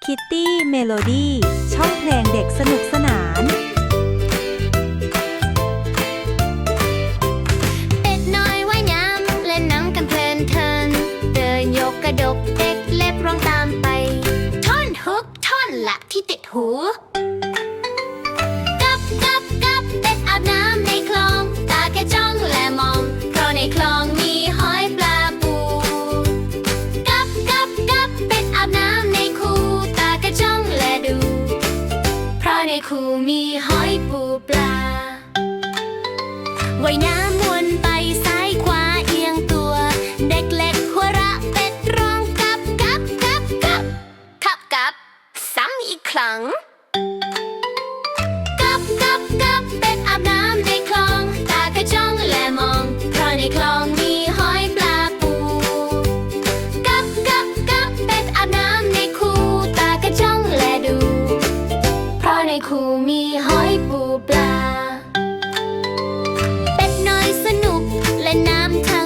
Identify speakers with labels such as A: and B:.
A: คิตตี้เมโลดี้ช่องเพลงเด็กสนุกสนาน
B: เป็ดน้อยว่ายน้ำเล่นน้ำกันเพลินเทินเดินยกกระดกเด็กเล็บร้องตามไปท่อนฮุกท่อนหลักที่ติดหูกับเป็ดอาบน้ำในคลองตาแค่จ้องและมองเพราะในคลองมีหอยปลาปูกับเป็ดอาบน้ำในคูตาแค่จ้องและดูเพราะในคูมีหอยปูปลาว่ายน้ำวนไปซ้ายขวาเอียงตัวเด็กเล็กหัวเราะเป็ดร้องกับซ้ำอีกครั้งกับเป็ดอาบน้ำในคลองตากระจ้องและมองเพราะในคลองมีหอยปลาปูกับเป็ดอาบน้ำในคูตากระจ้องและดูเพราะในคูมีหอยปูปลาเป็ดน้อยสนุกเล่นน้ำทะ